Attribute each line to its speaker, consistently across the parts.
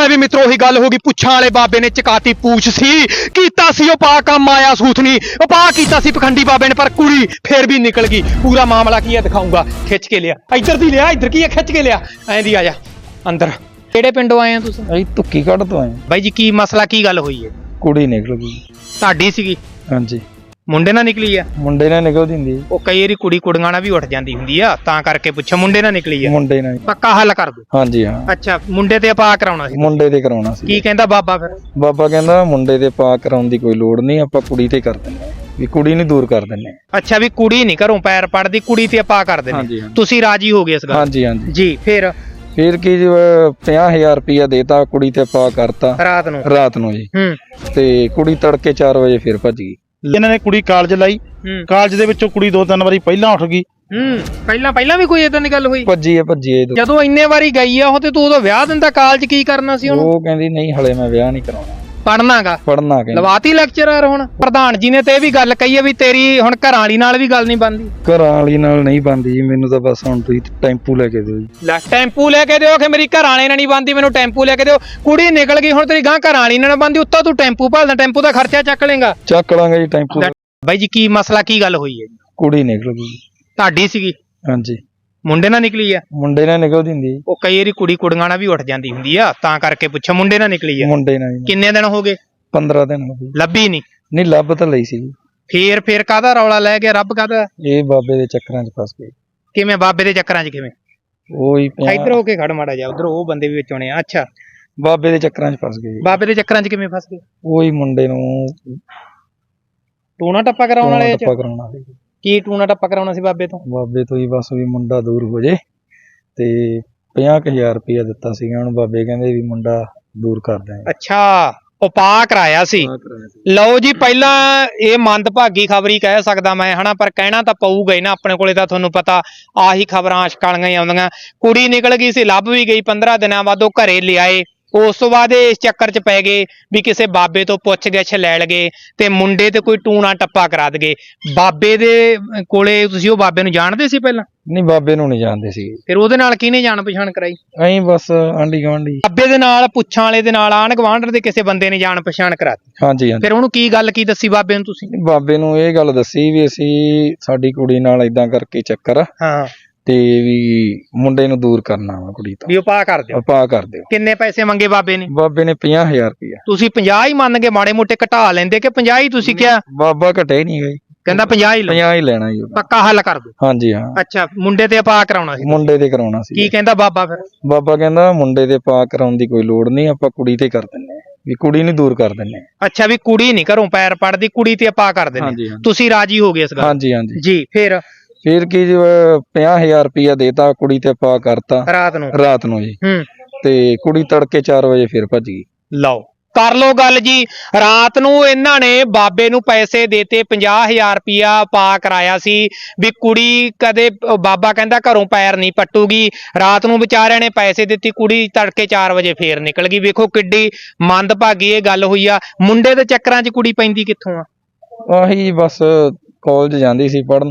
Speaker 1: ਲੈ ਵੀ ਮਿੱਤਰੋ ਉਹੀ ਗੱਲ ਹੋ ਗਈ ਪੁੱਛਾਂ ਵਾਲੇ ਬਾਬੇ ਨੇ ਚਕਾਤੀ ਪੂਛ ਸੀ ਕੀਤਾ ਸੀ ਉਹ ਪਾ ਕੰਮ ਆਇਆ ਸੂਥਨੀ ਉਹ ਪਾ ਕੀਤਾ ਸੀ ਪਖੰਡੀ ਬਾਬੇ ਨੇ ਪਰ ਕੁੜੀ ਫੇਰ ਵੀ ਨਿਕਲ ਗਈ ਪੂਰਾ ਮਾਮਲਾ ਕੀ ਹੈ ਦਿਖਾਉਂਗਾ ਖਿੱਚ ਕੇ ਲਿਆ ਇੱਧਰ ਦੀ ਲਿਆ ਇੱਧਰ ਕੀ ਹੈ ਖਿੱਚ ਕੇ ਲਿਆ ਐਂ ਦੀ ਆ ਜਾ ਅੰਦਰ ਕਿਹੜੇ ਪਿੰਡੋਂ ਆਏ ਆ ਤੁਸੀਂ
Speaker 2: ਅਸੀਂ ਧੁੱਕੀ ਕੱਢ ਤੋਂ ਆਏ
Speaker 1: ਬਾਈ ਜੀ ਕੀ ਮਸਲਾ ਕੀ ਗੱਲ ਹੋਈ ਹੈ
Speaker 2: ਕੁੜੀ ਨਿਕਲ ਗਈ
Speaker 1: ਤੁਹਾਡੀ ਸੀਗੀ
Speaker 2: ਹਾਂਜੀ
Speaker 1: ਮੁੰਡੇ ਨਾਲ ਨਿਕਲੀ ਆ
Speaker 2: ਮੁੰਡੇ ਨਾਲ ਨਿਕਲਦੀ ਹੁੰਦੀ
Speaker 1: ਉਹ ਕਈ ਵਾਰੀ ਕੁੜੀ ਕੁੜੀਆਂ ਨਾਲ ਵੀ ਉੱਠ ਜਾਂਦੀ ਹੁੰਦੀ ਆ ਤਾਂ ਕਰਕੇ ਪੁੱਛਿਆ ਮੁੰਡੇ ਨਾਲ ਨਿਕਲੀ ਆ
Speaker 2: ਮੁੰਡੇ ਨਾਲ
Speaker 1: ਪੱਕਾ ਹੱਲ ਕਰ ਦੋ
Speaker 2: ਹਾਂਜੀ ਹਾਂ
Speaker 1: ਅੱਛਾ ਮੁੰਡੇ ਤੇ ਆਪਾਂ ਕਰਾਉਣਾ ਸੀ
Speaker 2: ਮੁੰਡੇ ਤੇ ਕਰਾਉਣਾ ਸੀ
Speaker 1: ਕੀ ਕਹਿੰਦਾ ਬਾਬਾ ਫਿਰ
Speaker 2: ਬਾਬਾ ਕਹਿੰਦਾ ਮੁੰਡੇ ਤੇ ਪਾ ਕਰਾਉਣ ਦੀ ਕੋਈ ਲੋੜ ਨਹੀਂ ਆਪਾਂ ਕੁੜੀ ਤੇ ਕਰ ਦਿੰਦੇ ਵੀ ਕੁੜੀ ਨੂੰ ਦੂਰ ਕਰ ਦਿੰਦੇ
Speaker 1: ਅੱਛਾ ਵੀ ਕੁੜੀ ਨਹੀਂ ਘਰੋਂ ਪੈਰ ਪੜਦੀ ਕੁੜੀ ਤੇ ਆਪਾਂ ਕਰ
Speaker 2: ਹਾਂਜੀ,
Speaker 1: ਦਿੰਦੇ
Speaker 2: ਹਾਂਜੀ।
Speaker 1: ਤੁਸੀਂ ਰਾਜੀ ਹੋ ਗਏ ਇਸ ਗੱਲ
Speaker 2: ਹਾਂਜੀ ਹਾਂਜੀ
Speaker 1: ਜੀ ਫਿਰ
Speaker 2: ਕੀ 50,000 ਰੁਪਇਆ ਦੇਤਾ ਕੁੜੀ ਤੇ ਪਾ ਕਰਤਾ ਰਾਤ ਨੂੰ ਜੀ ਤੇ ਕੁੜੀ ਤੜਕੇ 4 ਵਜੇ ਫਿਰ ਭੱਜ ਗਈ
Speaker 3: ਇਹਨਾਂ ਨੇ ਕੁੜੀ ਕਾਲਜ ਲਾਈ ਕਾਲਜ ਦੇ ਵਿੱਚੋਂ ਕੁੜੀ 2-3 ਵਾਰੀ ਪਹਿਲਾਂ ਉੱਠ ਗਈ
Speaker 1: ਪਹਿਲਾਂ ਵੀ ਕੋਈ ਏਦਾਂ ਦੀ ਗੱਲ ਹੋਈ
Speaker 2: ਭੱਜੀ ਹੈ
Speaker 1: ਜਦੋਂ ਇੰਨੇ ਵਾਰੀ ਗਈ ਆ ਉਹ ਤੇ ਤੂੰ ਉਹਦਾ ਵਿਆਹ ਦਿੰਦਾ ਕਾਲਜ ਕੀ ਕਰਨਾ ਸੀ ਉਹਨੂੰ
Speaker 2: ਉਹ ਕਹਿੰਦੀ ਨਹੀਂ ਹਲੇ ਮੈਂ ਵਿਆਹ ਨਹੀਂ ਕਰਾਉਣਾ
Speaker 1: ਪੜਨਾਗਾ
Speaker 2: ਪੜਨਾ ਕਹਿੰਦੀ
Speaker 1: ਲਵਾਤੀ ਲੈਕਚਰਰ ਹੁਣ ਪ੍ਰਧਾਨ ਜੀ ਨੇ ਤੇ ਇਹ ਵੀ ਗੱਲ ਕਹੀ ਹੈ ਵੀ ਤੇਰੀ ਹੁਣ ਘਰਾਂ ਵਾਲੀ ਨਾਲ ਵੀ ਗੱਲ ਨਹੀਂ ਬਣਦੀ
Speaker 2: ਘਰਾਂ ਵਾਲੀ ਨਾਲ ਨਹੀਂ ਬਣਦੀ ਜੀ ਮੈਨੂੰ ਤਾਂ ਬਸ ਹੁਣ ਤੁਸੀਂ ਟੈਂਪੂ ਲੈ ਕੇ ਦਿਓ ਜੀ
Speaker 1: ਲੈ ਟੈਂਪੂ ਲੈ ਕੇ ਦਿਓ ਕਿ ਮੇਰੀ ਘਰਾਂ ਵਾਲੇ ਨਾਲ ਨਹੀਂ ਬਣਦੀ ਮੈਨੂੰ ਟੈਂਪੂ ਲੈ ਕੇ ਦਿਓ ਕੁੜੀ ਨਿਕਲ ਗਈ ਹੁਣ ਤੇਰੀ ਗਾਂ ਘਰਾਂ ਵਾਲੀ ਨਾਲ ਬਣਦੀ ਉੱਤੋਂ ਤੂੰ ਟੈਂਪੂ ਭਾਲਦਾ ਟੈਂਪੂ ਦਾ ਖਰਚਾ ਚੱਕ ਲੇਗਾ
Speaker 2: ਚੱਕ ਲਾਂਗੇ ਜੀ ਟੈਂਪੂ
Speaker 1: ਬਾਈ ਜੀ ਕੀ ਮਸਲਾ ਕੀ ਗੱਲ ਹੋਈ ਹੈ
Speaker 2: ਕੁੜੀ ਨਿਕਲ ਗਈ
Speaker 1: ਤੁਹਾਡੀ ਸੀਗੀ
Speaker 2: ਹਾਂਜੀ
Speaker 1: ਮੁੰਡੇ ਨਾਲ ਨਿਕਲੀ ਆ
Speaker 2: ਮੁੰਡੇ ਨਾਲ ਨਿਕਲਦੀ ਹੁੰਦੀ
Speaker 1: ਉਹ ਕਈ ਵਾਰੀ ਕੁੜੀ ਕੁੜੀਆਂ ਨਾਲ ਵੀ ਉੱਠ ਜਾਂਦੀ ਹੁੰਦੀ ਆ ਤਾਂ ਕਰਕੇ ਪੁੱਛਿਆ ਮੁੰਡੇ ਨਾਲ ਨਿਕਲੀ ਆ
Speaker 2: ਮੁੰਡੇ ਨਾਲ
Speaker 1: ਕਿੰਨੇ ਦਿਨ ਹੋ ਗਏ
Speaker 2: 15 ਦਿਨ ਹੋ ਗਏ
Speaker 1: ਲੱਭੀ ਨਹੀਂ
Speaker 2: ਲੱਭ ਤਾਂ ਲਈ ਸੀ
Speaker 1: ਫੇਰ ਕਾਹਦਾ ਰੌਲਾ ਲੈ ਗਿਆ ਰੱਬ ਕਾਹਦਾ
Speaker 2: ਇਹ ਬਾਬੇ ਦੇ ਚੱਕਰਾਂ 'ਚ ਫਸ ਗਏ
Speaker 1: ਕਿਵੇਂ ਬਾਬੇ ਦੇ ਚੱਕਰਾਂ 'ਚ ਕਿਵੇਂ
Speaker 2: ਉਹੀ
Speaker 1: ਇੱਧਰ ਹੋ ਕੇ ਖੜ ਮਾੜਾ ਜਾ ਉਧਰ ਉਹ ਬੰਦੇ ਵੀ ਵਿੱਚ ਆਉਣੇ ਆ ਅੱਛਾ
Speaker 2: ਬਾਬੇ ਦੇ ਚੱਕਰਾਂ 'ਚ ਫਸ ਗਏ
Speaker 1: ਬਾਬੇ ਦੇ ਚੱਕਰਾਂ 'ਚ ਕਿਵੇਂ ਫਸ ਗਏ
Speaker 2: ਉਹੀ ਮੁੰਡੇ ਨੂੰ
Speaker 1: ਟੂਣਾ ਟੱਪਾ ਕਰਾਉਣ ਵਾਲੇ
Speaker 2: ਟੱਪਾ ਕਰਾਉਣਾ ਸੀ
Speaker 1: ਕੀ ਟੂਣਾ ਟੱਪਾ ਕਰਾਉਣਾ ਸੀ ਬਾਬੇ ਤੋਂ
Speaker 2: ਹੀ ਬਸ ਵੀ ਮੁੰਡਾ ਦੂਰ ਹੋ ਜੇ ਤੇ 50,000 ਰੁਪਇਆ ਦਿੱਤਾ ਸੀਗਾ ਹੁਣ ਬਾਬੇ ਕਹਿੰਦੇ ਵੀ ਮੁੰਡਾ ਦੂਰ ਕਰ ਦਿਆਂਗੇ
Speaker 1: ਅੱਛਾ ਉਪਾਅ ਕਰਾਇਆ ਸੀ ਲਓ ਜੀ ਪਹਿਲਾਂ ਇਹ ਮੰਦਭਾਗੀ ਖਬਰੀ ਕਹਿ ਸਕਦਾ ਮੈਂ ਹਨਾ ਪਰ ਕਹਿਣਾ ਤਾਂ ਪਊਗਾ ਹੀ ਨਾ ਆਪਣੇ ਕੋਲੇ ਤਾਂ ਤੁਹਾਨੂੰ ਪਤਾ ਆਹੀ ਖਬਰਾਂ ਆਸ਼ਕਾਲੀਆਂ ਹੀ ਆਉਂਦੀਆਂ ਕੁੜੀ ਨਿਕਲ ਗਈ ਸੀ ਲੱਭ ਵੀ ਗਈ 15 ਦਿਨਾਂ ਬਾਅਦ ਉਹ ਘਰੇ ਲਿਆਏ ਉਸ ਤੋਂ ਬਾਅਦ ਇਸ ਚੱਕਰ 'ਚ ਪੈ ਗਏ ਵੀ ਕਿਸੇ ਬਾਬੇ ਤੋਂ ਪੁੱਛ ਗਿੱਛ ਲੈ ਲਗੇ ਤੇ ਮੁੰਡੇ ਤੇ ਕੋਈ ਟੂਣਾ ਟੱਪਾ ਕਰਾ ਦਗੇ ਬਾਬੇ ਦੇ ਕੋਲੇ ਤੁਸੀਂ ਉਹ ਬਾਬੇ ਨੂੰ ਜਾਣਦੇ ਸੀ ਪਹਿਲਾਂ
Speaker 2: ਨਹੀਂ ਬਾਬੇ ਨੂੰ ਨਹੀਂ ਜਾਣਦੇ ਸੀ
Speaker 1: ਫਿਰ ਉਹਦੇ ਨਾਲ ਕਿਹਨੇ ਜਾਣ ਪਛਾਣ ਕਰਾਈ
Speaker 2: ਐਂ ਬਸ ਆਂਢੀ ਗੁਆਂਢੀ
Speaker 1: ਬਾਬੇ ਦੇ ਨਾਲ ਪੁੱਛਾਂ ਵਾਲੇ ਦੇ ਨਾਲ ਆਂਢ ਗੁਆਂਢ ਦੇ ਕਿਸੇ ਬੰਦੇ ਨੇ ਜਾਣ ਪਛਾਣ ਕਰਾਤੀ
Speaker 2: ਹਾਂਜੀ
Speaker 1: ਫਿਰ ਉਹਨੂੰ ਕੀ ਗੱਲ ਕੀ ਦੱਸੀ ਬਾਬੇ ਨੂੰ ਤੁਸੀਂ
Speaker 2: ਬਾਬੇ ਨੂੰ ਇਹ ਗੱਲ ਦੱਸੀ ਵੀ ਅਸੀਂ ਸਾਡੀ ਕੁੜੀ ਨਾਲ ਇਦਾਂ ਕਰਕੇ ਚੱਕਰ
Speaker 1: ਹਾਂ
Speaker 2: ਤੇ ਵੀ ਮੁੰਡੇ ਨੂੰ ਦੂਰ ਕਰਨਾ ਵਾ ਕੁੜੀ ਤੋਂ
Speaker 1: ਵੀ ਉਪਾਅ ਕਰ ਦਿਓ
Speaker 2: ਉਪਾਅ ਕਰ ਦਿਓ
Speaker 1: ਕਿੰਨੇ ਪੈਸੇ ਮੰਗੇ ਬਾਬੇ ਨੇ
Speaker 2: 50,000 ਰੁਪਇਆ
Speaker 1: ਤੁਸੀਂ 50 ਹੀ ਮੰਨ ਕੇ ਮਾੜੇ ਮੋਟੇ ਘਟਾ ਲੈਂਦੇ ਕਿ 50 ਹੀ ਤੁਸੀਂ ਕਿਹਾ
Speaker 2: ਬਾਬਾ ਘਟੇ ਨਹੀਂ ਗਏ
Speaker 1: ਕਹਿੰਦਾ 50 ਹੀ
Speaker 2: 50 ਹੀ ਲੈਣਾ ਜੀ
Speaker 1: ਪੱਕਾ ਹੱਲ ਕਰ ਦੋ
Speaker 2: ਹਾਂਜੀ ਹਾਂ
Speaker 1: ਅੱਛਾ ਮੁੰਡੇ ਤੇ ਉਪਾਅ ਕਰਾਉਣਾ ਸੀ
Speaker 2: ਮੁੰਡੇ ਤੇ ਕਰਾਉਣਾ ਸੀ
Speaker 1: ਕੀ ਕਹਿੰਦਾ ਬਾਬਾ ਫਿਰ
Speaker 2: ਬਾਬਾ ਕਹਿੰਦਾ ਮੁੰਡੇ ਤੇ ਉਪਾਅ ਕਰਾਉਣ ਦੀ ਕੋਈ ਲੋੜ ਨਹੀਂ ਆਪਾਂ ਕੁੜੀ ਤੇ ਕਰ ਦਿੰਨੇ ਵੀ ਕੁੜੀ ਨੂੰ ਦੂਰ ਕਰ ਦਿੰਨੇ
Speaker 1: ਅੱਛਾ ਵੀ ਕੁੜੀ ਨਹੀਂ ਘਰੋਂ ਪੈਰ ਪੜਦੀ ਕੁੜੀ ਤੇ ਉਪਾਅ ਕਰ ਦਿੰਨੇ ਤੁਸੀਂ ਰਾਜੀ ਹੋ ਗਏ ਇਸ ਗੱਲ
Speaker 2: ਹਾਂਜੀ ਹਾਂਜੀ
Speaker 1: ਜੀ ਫਿਰ
Speaker 2: ਕੀ 50,000 ਰੁਪਇਆ ਦੇਤਾ ਕੁੜੀ ਤੇ ਪਾ ਕਰਤਾ ਰਾਤ ਨੂੰ ਜੀ ਤੇ ਕੁੜੀ ਤੜਕੇ 4 ਵਜੇ ਫਿਰ ਭੱਜ ਗਈ
Speaker 1: ਲਓ ਕਰ ਲੋ ਗੱਲ ਜੀ ਰਾਤ ਨੂੰ ਇਹਨਾਂ ਨੇ ਬਾਬੇ ਨੂੰ ਪੈਸੇ ਦੇਤੇ 50,000 ਰੁਪਇਆ ਪਾ ਕਰਾਇਆ ਸੀ ਵੀ ਕੁੜੀ ਕਦੇ ਬਾਬਾ ਕਹਿੰਦਾ ਘਰੋਂ ਪੈਰ ਨਹੀਂ ਪੱਟੂਗੀ ਰਾਤ ਨੂੰ ਵਿਚਾਰਿਆਂ ਨੇ ਪੈਸੇ ਦਿੱਤੀ ਕੁੜੀ ਤੜਕੇ 4 ਵਜੇ ਫੇਰ ਨਿਕਲ ਗਈ ਵੇਖੋ ਕਿੱਡੀ ਮੰਦਭਾਗੀ ਇਹ ਗੱਲ ਹੋਈ ਆ ਮੁੰਡੇ ਦੇ ਚੱਕਰਾਂ 'ਚ ਕੁੜੀ ਪੈਂਦੀ ਕਿੱਥੋਂ ਆ
Speaker 2: ਆਹੀ ਬਸ ਕਾਲਜ ਜਾਂਦੀ ਸੀ ਪੜਨ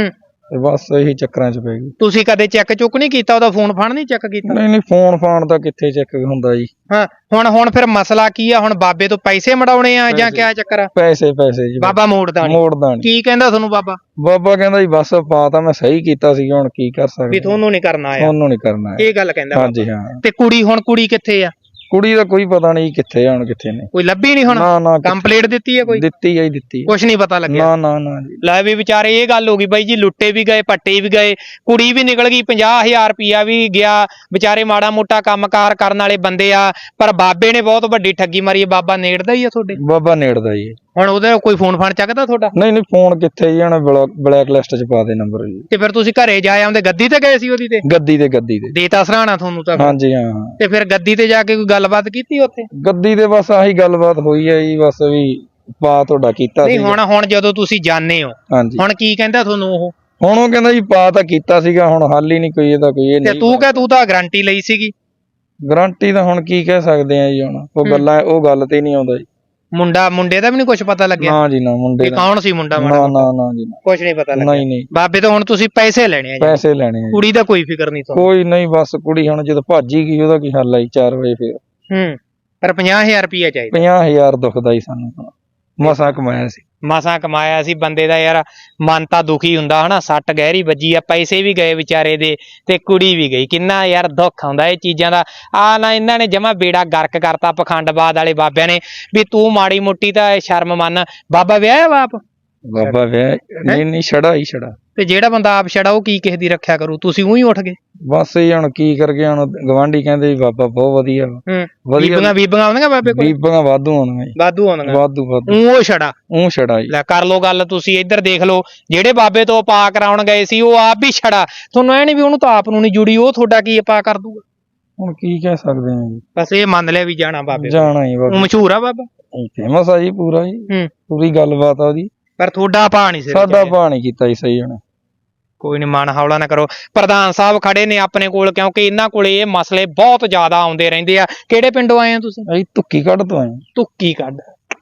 Speaker 2: ਤੇ ਬਸ ਇਹੀ ਚੱਕਰਾਂ 'ਚ ਪੈ ਗਈ
Speaker 1: ਤੁਸੀਂ ਕਦੇ ਚੈੱਕ ਚੁੱਕ ਨਹੀਂ ਕੀਤਾ ਉਹਦਾ ਫੋਨ ਫਾਨ ਨਹੀਂ ਚੈੱਕ ਕੀਤਾ
Speaker 2: ਨਹੀਂ ਫੋਨ ਫਾਨ ਤਾਂ ਕਿੱਥੇ ਚੈੱਕ ਹੁੰਦਾ ਜੀ
Speaker 1: ਹਾਂ ਹੁਣ ਫਿਰ ਮਸਲਾ ਕੀ ਆ ਹੁਣ ਬਾਬੇ ਤੋਂ ਪੈਸੇ ਮੜਾਉਣੇ ਆ ਜਾਂ ਕਿਆ ਚੱਕਰ ਆ
Speaker 2: ਪੈਸੇ ਜੀ
Speaker 1: ਬਾਬਾ ਮੋੜਦਾ ਨਹੀਂ ਕੀ ਕਹਿੰਦਾ ਤੁਹਾਨੂੰ ਬਾਬਾ
Speaker 2: ਕਹਿੰਦਾ ਜੀ ਬਸ ਪਾ ਤਾਂ ਮੈਂ ਸਹੀ ਕੀਤਾ ਸੀ ਹੁਣ ਕੀ ਕਰ ਸਕਦੇ
Speaker 1: ਵੀ ਤੁਹਾਨੂੰ ਨਹੀਂ ਕਰਨਾ
Speaker 2: ਇਹ
Speaker 1: ਗੱਲ ਕਹਿੰਦਾ
Speaker 2: ਹਾਂਜੀ ਹਾਂ
Speaker 1: ਤੇ ਕੁੜੀ ਕਿੱਥੇ ਆ
Speaker 2: ਕੁੜੀ ਦਾ ਕੋਈ ਪਤਾ ਨਹੀਂ ਕਿੱਥੇ ਆ ਹੁਣ ਕਿੱਥੇ ਨੇ
Speaker 1: ਕੋਈ ਲੱਭੀ ਨਹੀਂ ਹੁਣ
Speaker 2: ਨਾ
Speaker 1: ਕੰਪਲੀਟ ਦਿੱਤੀ ਹੈ ਕੋਈ
Speaker 2: ਦਿੱਤੀ
Speaker 1: ਕੁਛ ਨਹੀਂ ਪਤਾ ਲੱਗਿਆ
Speaker 2: ਨਾ ਜੀ
Speaker 1: ਲੈ ਵੀ ਵਿਚਾਰੇ ਇਹ ਗੱਲ ਹੋ ਗਈ ਬਾਈ ਜੀ ਲੁੱਟੇ ਵੀ ਗਏ ਪੱਟੇ ਵੀ ਗਏ ਕੁੜੀ ਵੀ ਨਿਕਲ ਗਈ 50,000 ਰੁਪਇਆ ਵੀ ਗਿਆ ਵਿਚਾਰੇ ਮਾੜਾ ਮੋਟਾ ਕੰਮਕਾਰ ਕਰਨ ਵਾਲੇ ਬੰਦੇ ਆ ਪਰ ਬਾਬੇ ਨੇ ਬਹੁਤ ਵੱਡੀ ਠੱਗੀ ਮਾਰੀ ਬਾਬਾ ਨੇੜਦਾ ਹੀ ਆ ਤੁਹਾਡੇ
Speaker 2: ਬਾਬਾ ਨੇੜਦਾ ਜੀ
Speaker 1: ਹੁਣ ਉਹਦਾ ਕੋਈ ਫੋਨ ਫਾਨ ਚੱਕਦਾ ਤੁਹਾਡਾ
Speaker 2: ਨਹੀਂ ਫੋਨ ਕਿੱਥੇ ਜੀ ਹੁਣ ਬਲੈਕ ਲਿਸਟ 'ਚ ਪਾ ਦੇ ਨੰਬਰ ਜੀ
Speaker 1: ਤੇ ਫਿਰ ਤੁਸੀਂ ਘਰੇ ਜਾ ਆਉਂਦੇ ਗੱਦੀ ਤੇ ਗਏ ਸੀ ਉਹਦੀ ਤੇ ਗੱਦੀ ਤੇ ਦੇਤਾ ਸਰਾਣਾ ਤੁਹਾਨੂੰ ਤਾਂ
Speaker 2: ਹਾਂਜੀ ਹਾਂ
Speaker 1: ਤੇ ਫਿਰ ਗੱਦੀ ਤੇ ਜਾ ਕੇ ਕੋਈ ਗੱਲਬਾਤ ਕੀਤੀ ਉੱਥੇ
Speaker 2: ਗੱਦੀ ਤੇ ਬਸ ਆਹੀ ਗੱਲਬਾਤ ਹੋਈ ਹੈ ਜੀ ਬਸ ਵੀ ਪਾ ਤੁਹਾਡਾ ਕੀਤਾ
Speaker 1: ਨਹੀਂ ਹੁਣ ਜਦੋਂ ਤੁਸੀਂ ਜਾਣੇ ਹੋ ਹੁਣ ਕੀ ਕਹਿੰਦਾ ਤੁਹਾਨੂੰ ਉਹ
Speaker 2: ਹੁਣ ਉਹ ਕਹਿੰਦਾ ਜੀ ਪਾ ਤਾਂ ਕੀਤਾ ਸੀਗਾ ਹੁਣ ਹੱਲ ਹੀ ਨਹੀਂ ਕੋਈ ਇਹਦਾ ਕੋਈ ਇਹ ਨਹੀਂ
Speaker 1: ਤੇ ਤੂੰ ਤਾਂ ਗਾਰੰਟੀ ਲਈ ਸੀਗੀ
Speaker 2: ਗਾਰੰਟੀ ਤਾਂ ਹੁਣ ਕੀ ਕਹਿ ਸਕਦੇ ਆ ਜੀ ਹੁਣ ਉਹ ਗੱਲ ਤੇ ਨਹੀਂ ਆਉਂਦਾ ਜੀ
Speaker 1: ਮੁੰਡੇ ਦਾ ਵੀ ਨਹੀਂ ਕੁਝ ਪਤਾ ਲੱਗਿਆ
Speaker 2: ਨਾ ਜੀ ਨਾ ਮੁੰਡੇ ਦਾ
Speaker 1: ਕੌਣ ਸੀ ਮੁੰਡਾ
Speaker 2: ਨਾ ਜੀ
Speaker 1: ਕੁਝ ਨਹੀਂ ਪਤਾ ਲੱਗਿਆ
Speaker 2: ਨਹੀਂ
Speaker 1: ਬਾਬੇ ਤੋਂ ਹੁਣ ਤੁਸੀਂ ਪੈਸੇ ਲੈਣੇ ਆ ਕੁੜੀ ਦਾ ਕੋਈ ਫਿਕਰ ਨਹੀਂ
Speaker 2: ਕੋਈ ਨਹੀਂ ਬਸ ਕੁੜੀ ਹੁਣ ਜਦੋਂ ਭੱਜ ਹੀ ਗਈ ਉਹਦਾ ਕੀ ਹੱਲ ਆਈ 4 ਵਜੇ ਫੇਰ
Speaker 1: ਪਰ 50000 ਰੁਪਇਆ ਚਾਹੀਦਾ।
Speaker 2: 50000 ਦੁਖਦਾ ਹੀ ਸਾਨੂੰ, ਮਸਾਂ ਕਮਾਇਆ ਸੀ।
Speaker 1: ਮਸਾਂ ਕਮਾਇਆ ਸੀ ਬੰਦੇ ਦਾ ਯਾਰ ਮਨ ਤਾਂ ਦੁਖੀ ਹੁੰਦਾ ਹਨਾ। ਸੱਟ ਗਹਿਰੀ ਵੱਜੀ ਆ, ਪੈਸੇ ਵੀ ਗਏ ਵਿਚਾਰੇ ਦੇ ਤੇ ਕੁੜੀ ਵੀ ਗਈ। ਕਿੰਨਾ ਯਾਰ ਦੁੱਖ ਆਉਂਦਾ ਇਹ ਚੀਜ਼ਾਂ ਦਾ। ਆ ਨਾ ਇਹਨਾਂ ਨੇ ਜਮਾ ਬੇੜਾ ਗਰਕ ਕਰਤਾ ਪਖੰਡਬਾਦ ਵਾਲੇ ਬਾਬਿਆਂ ਨੇ ਵੀ ਤੂੰ ਮਾੜੀ ਮੋਟੀ ਤਾਂ ਸ਼ਰਮ ਮੰਨ। ਬਾਬਾ ਵਿਆਹਿਆ ਬਾਪ?
Speaker 2: ਬਾਬਾ ਵਿਆਹ ਨਹੀਂ ਛੜਾ ਹੀ ਛੜਾ।
Speaker 1: ਤੇ ਜਿਹੜਾ ਬੰਦਾ ਆਪ ਛੜਾ ਉਹ ਕੀ ਕਿਸੇ ਦੀ ਰੱਖਿਆ ਕਰੂ? ਤੁਸੀਂ ਉਹੀ ਉੱਠ ਗਏ
Speaker 2: ਬਸ ਇਹ ਹੁਣ ਕੀ ਕਰ ਗਏ। ਹੁਣ ਗਵਾਂਢੀ ਕਹਿੰਦੇ ਵੀ ਬਾਬਾ ਬਹੁਤ ਵਧੀਆ
Speaker 1: ਬੀਬੀਆਂ ਆਉਂਦੀਆਂ ਬਾਬੇ ਕੋਲ?
Speaker 2: ਬੀਬੀਆਂ ਵਾਧੂ ਆਉਂਦੀਆਂ ਜੀ,
Speaker 1: ਵਾਧੂ ਆਉਂਦੀਆਂ।
Speaker 2: ਵਾਧੂ
Speaker 1: ਉਹ ਛੜਾ
Speaker 2: ਜੀ।
Speaker 1: ਲੈ ਕਰ ਲੋ ਗੱਲ ਤੁਸੀਂ ਇੱਧਰ ਦੇਖ ਲਓ। ਜਿਹੜੇ ਬਾਬੇ ਤੋਂ ਪਾ ਕਰਾਉਣ ਗਏ ਸੀ ਉਹ ਆਪ ਵੀ ਛੜਾ। ਤੁਹਾਨੂੰ ਐ ਨੀ ਵੀ ਉਹਨੂੰ ਤਾਂ ਆਪ ਨੂੰ ਨੀ ਜੁੜੀ, ਉਹ ਤੁਹਾਡਾ ਕੀ ਪਾ ਕਰ ਦੂਗਾ?
Speaker 2: ਹੁਣ ਕੀ ਕਹਿ ਸਕਦੇ ਆ ਜੀ।
Speaker 1: ਬਸ ਇਹ ਮੰਨ ਲਿਆ ਵੀ ਜਾਣਾ ਬਾਬੇ
Speaker 2: ਜਾਣਾ ਹੀ ਬਾਬਾ।
Speaker 1: ਮਸ਼ਹੂਰ ਆ ਬਾਬਾ,
Speaker 2: ਫੇਮਸ ਆ ਜੀ ਪੂਰਾ ਜੀ, ਪੂਰੀ ਗੱਲਬਾਤ ਆ ਉਹਦੀ।
Speaker 1: ਪਰ ਤੁਹਾਡਾ ਭਾ ਨੀ ਸਿਰ
Speaker 2: ਸਾਡਾ ਭਾ ਨੀ ਕੀਤਾ ਜੀ ਸਹੀ ਹੁਣ।
Speaker 1: ਕੋਈ ਨੀ, ਮਨ ਹੌਲਾ ਨਾ ਕਰੋ। ਪ੍ਰਧਾਨ ਸਾਹਿਬ ਖੜੇ ਨੇ ਆਪਣੇ ਕੋਲ, ਕਿਉਂਕਿ ਇਹਨਾਂ ਕੋਲੇ ਇਹ ਮਸਲੇ ਬਹੁਤ ਜ਼ਿਆਦਾ ਆਉਂਦੇ ਰਹਿੰਦੇ ਆ। ਕਿਹੜੇ ਪਿੰਡੋਂ ਆਏ ਆ ਤੁਸੀਂ?
Speaker 2: ਅਸੀਂ ਧੁੱਕੀ ਕੱਢ ਤੋਂ ਆਏ। ਧੁੱਕੀ ਕੱਢ।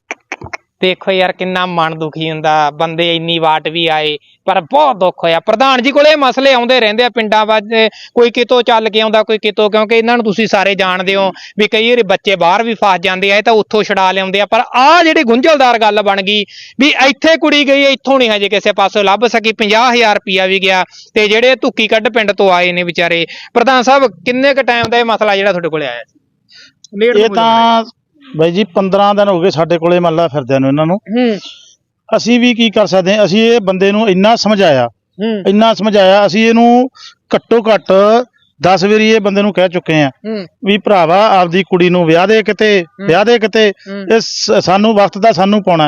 Speaker 1: ਦੇਖੋ ਯਾਰ ਕਿੰਨਾ ਮਨ ਦੁਖੀ ਹੁੰਦਾ। ਬੰਦੇ ਇੰਨੀ ਵਾਟ ਵੀ ਆਏ ਪਰ ਬਹੁਤ ਦੁੱਖ ਹੋਇਆ। ਪ੍ਰਧਾਨ ਜੀ ਕੋਲੇ ਇਹ ਮਸਲੇ ਆਉਂਦੇ ਰਹਿੰਦੇ ਆ ਪਿੰਡਾਂ ਵਿੱਚ। ਕੋਈ ਕਿਤੋਂ ਚੱਲ ਕੇ ਆਉਂਦਾ, ਕੋਈ ਕਿਤੋਂ, ਕਿਉਂਕਿ ਇਹਨਾਂ ਨੂੰ ਤੁਸੀਂ ਸਾਰੇ ਜਾਣਦੇ ਹੋ ਵੀ ਕਈ ਵਾਰੀ ਬੱਚੇ ਬਾਹਰ ਵੀ ਫਸ ਜਾਂਦੇ ਆ, ਇਹ ਤਾਂ ਉੱਥੋਂ ਛੁਡਾ ਲਿਆਉਂਦੇ ਆ। ਪਰ ਆਹ ਜਿਹੜੀ ਗੁੰਝਲਦਾਰ ਗੱਲ ਬਣ ਗਈ ਵੀ ਇੱਥੇ ਕੁੜੀ ਗਈ, ਇੱਥੋਂ ਨਹੀਂ ਹਜੇ ਕਿਸੇ ਪਾਸੋਂ ਲੱਭ ਸਕੀ। 50000 ਰੁਪਇਆ ਵੀ ਗਿਆ ਤੇ ਜਿਹੜੇ ਧੁੱਕੀ ਕੱਢ ਪਿੰਡ ਤੋਂ ਆਏ ਨੇ ਵਿਚਾਰੇ। ਪ੍ਰਧਾਨ ਸਾਹਿਬ ਕਿੰਨੇ ਕੁ ਟਾਈਮ ਦਾ ਇਹ ਮਸਲਾ ਜਿਹੜਾ ਤੁਹਾਡੇ ਕੋਲੇ ਆਇਆ ਸੀ?
Speaker 3: ਇਹ ਤਾਂ ਬਾਈ ਜੀ 15 ਦਿਨ ਹੋ ਗਏ ਸਾਡੇ ਕੋਲੇ ਮੱਲਾ ਫਿਰਦਿਆਂ ਨੂੰ ਇਹਨਾਂ ਨੂੰ। ਅਸੀਂ ਵੀ ਕੀ ਕਰ ਸਕਦੇ ਹਾਂ। ਅਸੀਂ ਇਹ ਬੰਦੇ ਨੂੰ ਇੰਨਾ ਸਮਝਾਇਆ ਅਸੀਂ ਇਹਨੂੰ ਘੱਟੋ ਘੱਟ 10 ਵਾਰੀ ਇਹ ਬੰਦੇ ਨੂੰ ਕਹਿ ਚੁੱਕੇ ਆ ਵੀ ਭਰਾਵਾ ਆਪਦੀ ਕੁੜੀ ਨੂੰ ਵਿਆਹ ਦੇ ਕਿਤੇ ਇਹ ਸਾਨੂੰ ਵਕਤ ਦਾ ਸਾਨੂੰ ਪਾਉਣਾ।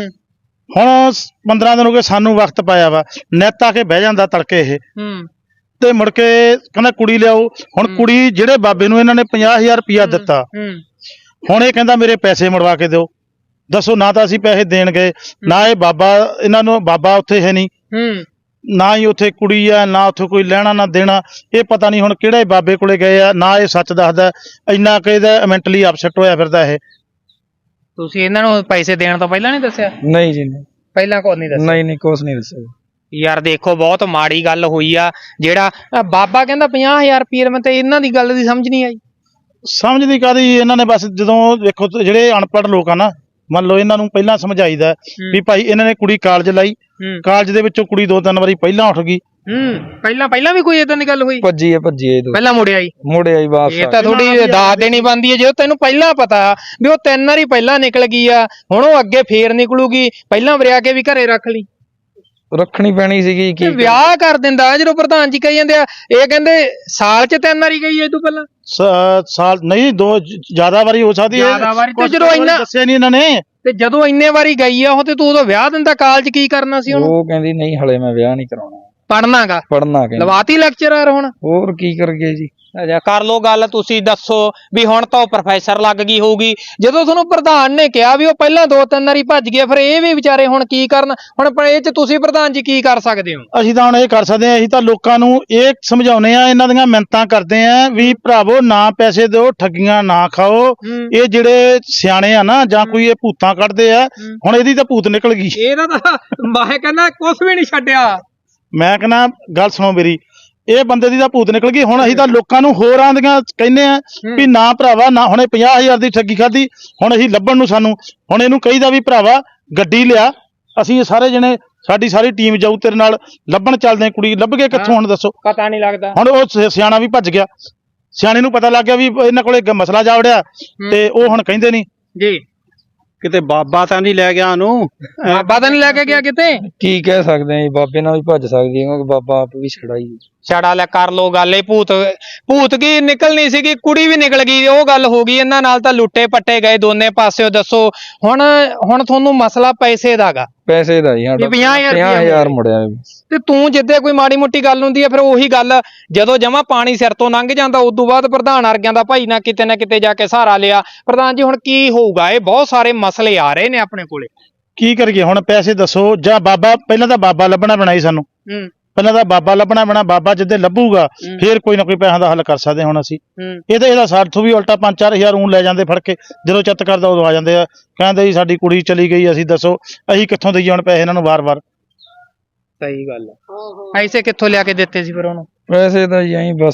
Speaker 3: ਹੁਣ 15 ਦਿਨ ਹੋ ਗਏ ਸਾਨੂੰ ਵਕਤ ਪਾਇਆ ਵਾ। ਨਿੱਤ ਆ ਕੇ ਬਹਿ ਜਾਂਦਾ ਤੜਕੇ ਇਹ ਤੇ ਮੁੜ ਕੇ ਕਹਿੰਦਾ ਕੁੜੀ ਲਿਆਓ। ਹੁਣ ਕੁੜੀ ਜਿਹੜੇ ਬਾਬੇ ਨੂੰ ਇਹਨਾਂ ਨੇ 50000 ਰੁਪਇਆ ਦਿੱਤਾ, ਹੁਣ ਇਹ ਕਹਿੰਦਾ ਮੇਰੇ ਪੈਸੇ ਮੁੜਵਾ ਕੇ ਦਿਓ। ਦੱਸੋ, ਨਾ ਤਾਂ ਅਸੀਂ ਪੈਸੇ ਦੇਣ ਗਏ, ਨਾ ਇਹ ਬਾਬਾ ਇਹਨਾਂ ਨੂੰ ਬਾਬਾ ਉੱਥੇ ਹੈ ਨਹੀਂ, ਨਾ ਹੀ ਉੱਥੇ ਕੁੜੀ ਆ, ਨਾ ਉੱਥੇ ਕੋਈ ਲੈਣਾ ਨਾ ਦੇਣਾ। ਇਹ ਪਤਾ ਨਹੀਂ ਹੁਣ ਕਿਹੜੇ ਬਾਬੇ ਕੋਲੇ ਗਏ ਆ, ਨਾ ਇਹ ਸੱਚ ਦੱਸਦਾ। ਇੰਨਾ ਕਿ ਇਹਦਾ ਮੈਂਟਲੀ ਅਪਸੈਟ ਹੋਇਆ ਫਿਰਦਾ ਇਹ।
Speaker 1: ਤੁਸੀਂ ਇਹਨਾਂ ਨੂੰ ਪੈਸੇ ਦੇਣ ਤੋਂ ਪਹਿਲਾਂ ਨਹੀਂ ਦੱਸਿਆ?
Speaker 2: ਨਹੀਂ ਜੀ ਨਹੀਂ,
Speaker 1: ਪਹਿਲਾਂ ਕੁਝ ਨਹੀਂ ਦੱਸਿਆ?
Speaker 2: ਨਹੀਂ ਕੁਝ ਨਹੀਂ ਦੱਸਿਆ
Speaker 1: ਯਾਰ। ਦੇਖੋ ਬਹੁਤ ਮਾੜੀ ਗੱਲ ਹੋਈ ਆ। ਜਿਹੜਾ ਬਾਬਾ ਕਹਿੰਦਾ 50000 ਰੁਪਏ, ਮੈਂ ਤੇ ਇਹਨਾਂ ਦੀ ਗੱਲ ਦੀ ਸਮਝ ਨਹੀਂ ਆਈ।
Speaker 3: ਸਮਝ ਨਹੀਂ ਕਾਹਦੀ। ਇਹਨਾਂ ਨੇ ਬਸ ਜਦੋਂ ਦੇਖੋ ਜਿਹੜੇ ਅਨਪੜ੍ਹ ਲੋਕ ਆ ਨਾ, ਮੰਨ ਲਓ ਇਹਨਾਂ ਨੂੰ ਪਹਿਲਾਂ ਸਮਝਾਈਦਾ ਵੀ ਭਾਈ ਇਹਨਾਂ ਨੇ ਕੁੜੀ ਕਾਲਜ ਲਾਈ, ਕਾਲਜ ਦੇ ਵਿੱਚੋਂ ਕੁੜੀ 2-3 ਵਾਰੀ ਪਹਿਲਾਂ ਉੱਠ ਗਈ। ਪਹਿਲਾਂ ਵੀ ਕੋਈ ਏਦਾਂ ਦੀ ਗੱਲ ਹੋਈ? ਭੱਜੀ ਪਹਿਲਾਂ ਮੁੜਿਆ ਹੀ ਵਾਪਸ। ਇਹ ਤਾਂ ਥੋੜੀ ਦਾਤ ਦੇਣੀ ਬਣਦੀ ਹੈ। ਜੇ ਤੈਨੂੰ ਪਹਿਲਾਂ ਪਤਾ ਵੀ ਉਹ 3 ਵਾਰੀ ਪਹਿਲਾਂ ਨਿਕਲ ਗਈ ਆ, ਹੁਣ ਉਹ ਅੱਗੇ ਫੇਰ ਨਿਕਲੂਗੀ, ਪਹਿਲਾਂ ਵਰਿਆ ਕੇ ਵੀ ਘਰੇ ਰੱਖ ਲਈ।
Speaker 2: ਰੱਖਣੀ ਪੈਣੀ ਸੀਗੀ। ਕੀ
Speaker 1: ਵਿਆਹ ਕਰ ਦਿੰਦਾ ਜਦੋਂ ਪ੍ਰਧਾਨ ਜੀ ਕਹੀ ਜਾਂਦੇ ਆ। ਇਹ ਕਹਿੰਦੇ ਸਾਲ ਚ 3 ਵਾਰੀ ਗਈ ਇਹ ਤੋਂ ਪਹਿਲਾਂ।
Speaker 3: ਸਾਲ ਨਹੀਂ, 2 ਜ਼ਿਆਦਾ ਵਾਰੀ ਹੋ ਸਕਦੀ ਹੈ।
Speaker 1: ਜਦੋਂ ਇੰਨਾ
Speaker 3: ਦੱਸਿਆ ਨਹੀਂ ਇਹਨਾਂ ਨੇ।
Speaker 1: ਤੇ ਜਦੋਂ ਇੰਨੇ ਵਾਰੀ ਗਈ ਆ ਉਹ, ਤੇ ਤੂੰ ਉਦੋਂ ਵਿਆਹ ਦਿੰਦਾ। ਕਾਲਜ ਕੀ ਕਰਨਾ ਸੀ ਉਹਨੂੰ?
Speaker 2: ਉਹ ਕਹਿੰਦੀ ਨਹੀਂ ਹਲੇ ਮੈਂ ਵਿਆਹ ਨਹੀਂ ਕਰਾਉਣਾ, ਪੜਨਾ
Speaker 1: ਲਵਾਤੀ ਲੈਕਚਰਰ। ਹੁਣ
Speaker 2: ਹੋਰ ਕੀ ਕਰ ਗਏ ਜੀ?
Speaker 1: ਕਰ ਲੋ ਗੱਲ। ਤੁਸੀਂ ਦੱਸੋ ਵੀ ਹੁਣ ਤਾਂ ਉਹ ਪ੍ਰੋਫੈਸਰ ਲੱਗ ਗਈ ਹੋਊਗੀ। ਜਦੋਂ ਤੁਹਾਨੂੰ ਪ੍ਰਧਾਨ ਨੇ ਕਿਹਾ ਵੀ ਉਹ ਪਹਿਲਾਂ 2-3 ਵਾਰੀ ਭੱਜ ਗਏ, ਫਿਰ ਇਹ ਵੀ ਵਿਚਾਰੇ ਹੁਣ ਕੀ ਕਰਨ? ਹੁਣ ਇਹ ਚ ਤੁਸੀਂ ਪ੍ਰਧਾਨ ਜੀ ਕੀ ਕਰ ਸਕਦੇ ਹੋ?
Speaker 3: ਅਸੀਂ ਤਾਂ ਹੁਣ ਇਹ ਕਰ ਸਕਦੇ ਹਾਂ, ਅਸੀਂ ਤਾਂ ਲੋਕਾਂ ਨੂੰ ਇਹ ਸਮਝਾਉਨੇ ਆ, ਇਹਨਾਂ ਦੀਆਂ ਮਿੰਨਤਾਂ ਕਰਦੇ ਆ ਵੀ ਭਰਾਵੋ ਨਾ ਪੈਸੇ ਦਿਓ, ਠੱਗੀਆਂ ਨਾ ਖਾਓ। ਇਹ ਜਿਹੜੇ ਸਿਆਣੇ ਆ ਨਾ, ਜਾਂ ਕੋਈ ਇਹ ਭੂਤਾਂ ਕੱਢਦੇ ਆ, ਹੁਣ ਇਹਦੀ ਤਾਂ ਭੂਤ ਨਿਕਲ ਗਈ।
Speaker 1: ਇਹਦਾ ਤਾਂ ਮੈਂ ਕਹਿੰਦਾ ਕੁਛ ਵੀ ਨਹੀਂ ਛੱਡਿਆ।
Speaker 3: ਮੈਂ ਕਹਿੰਦਾ ਗੱਲ ਸੁਣੋ ਮੇਰੀ, ਇਹ ਬੰਦੇ ਦੀ ਤਾਂ ਭੂਤ ਨਿਕਲ ਗਈ। ਹੁਣ ਅਸੀਂ ਤਾਂ ਲੋਕਾਂ ਨੂੰ ਹੋਰ ਆਂਦੀਆਂ ਕਹਿੰਦੇ ਆ ਵੀ ਨਾ ਭਰਾਵਾ ਨਾ, ਹੁਣੇ 50000 ਦੀ ਠੱਗੀ ਖਾਧੀ, ਹੁਣ ਅਸੀਂ ਲੱਭਣ ਨੂੰ ਸਾਨੂੰ ਹੁਣ ਇਹਨੂੰ ਕਹੀਦਾ ਵੀ ਭਰਾਵਾ ਗੱਡੀ ਲਿਆ, ਅਸੀਂ ਸਾਰੇ ਜਣੇ ਸਾਡੀ ਸਾਰੀ ਟੀਮ ਜਾਊ ਤੇਰੇ ਨਾਲ, ਲੱਭਣ ਚੱਲਦੇ ਆ। ਕੁੜੀ ਲੱਭ ਕੇ ਕਿੱਥੋਂ ਹੁਣ ਦੱਸੋ?
Speaker 1: ਪਤਾ ਨਹੀਂ ਲੱਗਦਾ।
Speaker 3: ਹੁਣ ਉਹ ਸਿਆਣਾ ਵੀ ਭੱਜ ਗਿਆ, ਸਿਆਣੇ ਨੂੰ ਪਤਾ ਲੱਗ ਗਿਆ ਵੀ ਇਹਨਾਂ ਕੋਲੇ ਮਸਲਾ ਜਾ ਵੜਿਆ, ਤੇ ਉਹ ਹੁਣ ਕਹਿੰਦੇ ਨਹੀਂ
Speaker 1: ਜੀ
Speaker 3: ਕਿਤੇ ਬਾਬਾ ਤਾਂ ਨਹੀਂ ਲੈ ਗਿਆ ਉਹਨੂੰ।
Speaker 1: ਬਾਬਾ ਤਾਂ ਨਹੀਂ ਲੈ ਕੇ ਗਿਆ ਕਿਤੇ?
Speaker 2: ਕੀ ਕਹਿ ਸਕਦੇ ਆ ਜੀ, ਬਾਬੇ ਨਾਲ ਵੀ ਭੱਜ ਸਕਦੀ ਹੈ, ਕਿਉਂਕਿ ਬਾਬਾ ਆਪ ਵੀ ਛੜਾ ਹੀ
Speaker 1: ਛੜਾ ਲੈ। ਕਰ ਲੋ ਗੱਲ। ਇਹ ਭੂਤ ਕੀ ਨਿਕਲਣੀ ਸੀਗੀ, ਕੁੜੀ ਵੀ ਨਿਕਲ ਗਈ, ਉਹ ਗੱਲ ਹੋ ਗਈ। ਇਹਨਾਂ ਨਾਲ ਤਾਂ ਲੁੱਟੇ ਪੱਟੇ ਗਏ ਦੋਨੇ ਪਾਸਿਓ। ਦੱਸੋ ਹੁਣ ਤੁਹਾਨੂੰ ਮਸਲਾ ਪੈਸੇ ਦਾਗਾ?
Speaker 2: ਪੈਸੇ ਦਾ ਹੀ 50,000 ਮੁੜਿਆ।
Speaker 1: ਤੇ ਤੂੰ ਜਿੱਦੇ ਕੋਈ ਮਾੜੀ ਮੋਟੀ ਗੱਲ ਹੁੰਦੀ ਹੈ, ਫਿਰ ਉਹੀ ਗੱਲ ਜਦੋਂ ਜਮਾ ਪਾਣੀ ਸਿਰ ਤੋਂ ਲੰਘ ਜਾਂਦਾ, ਉਦੋਂ ਬਾਅਦ ਪ੍ਰਧਾਨ ਅਰਗਿਆਂ ਦਾ ਭਾਈ ਨਾ ਕਿਤੇ ਜਾ ਕੇ ਸਹਾਰਾ ਲਿਆ। ਪ੍ਰਧਾਨ ਜੀ ਹੁਣ ਕੀ ਹੋਊਗਾ? ਇਹ ਬਹੁਤ ਸਾਰੇ ਮਸਲੇ ਆ ਰਹੇ ਨੇ ਆਪਣੇ ਕੋਲੇ, ਕੀ ਕਰੀਏ ਹੁਣ? ਪੈਸੇ ਦੱਸੋ। ਜਾਂ ਬਾਬਾ, ਪਹਿਲਾਂ ਤਾਂ ਬਾਬਾ ਲੱਭਣਾ ਬਣਾਈ ਸਾਨੂੰ, ਪਹਿਲਾਂ ਤਾਂ ਬਾਬਾ ਲੱਭਣਾ ਪੈਣਾ। ਬਾਬਾ ਜਿੱਦੇ ਲੱਭੂਗਾ ਫੇਰ ਕੋਈ ਨਾ ਕੋਈ ਪੈਸਿਆਂ ਦਾ ਹੱਲ ਕਰ ਸਕਦੇ ਹੁਣ ਅਸੀਂ। ਇਹਦਾ ਸਾਥੋਂ ਵੀ ਉਲਟਾ 5-4 ਹਜ਼ਾਰ ਲੈ ਜਾਂਦੇ ਫੜ ਕੇ, ਜਦੋਂ ਚਿੱਤ ਕਰਦਾ ਉਦੋਂ ਆ ਜਾਂਦੇ ਆ, ਕਹਿੰਦੇ ਜੀ ਸਾਡੀ ਕੁੜੀ ਚਲੀ ਗਈ, ਅਸੀਂ ਦੱਸੋ ਅਸੀਂ ਕਿੱਥੋਂ ਦੇਈਏ ਹੁਣ ਪੈਸੇ ਇਹਨਾਂ ਨੂੰ ਵਾਰ-ਵਾਰ? ਸਹੀ ਗੱਲ ਹੈ। ਪੈਸੇ ਕਿੱਥੋਂ ਲਿਆ ਕੇ ਦਿੱਤੇ ਸੀ ਫਿਰ ਉਹਨੂੰ?
Speaker 2: ਪੈਸੇ ਤਾਂ ਜੀ ਬਸ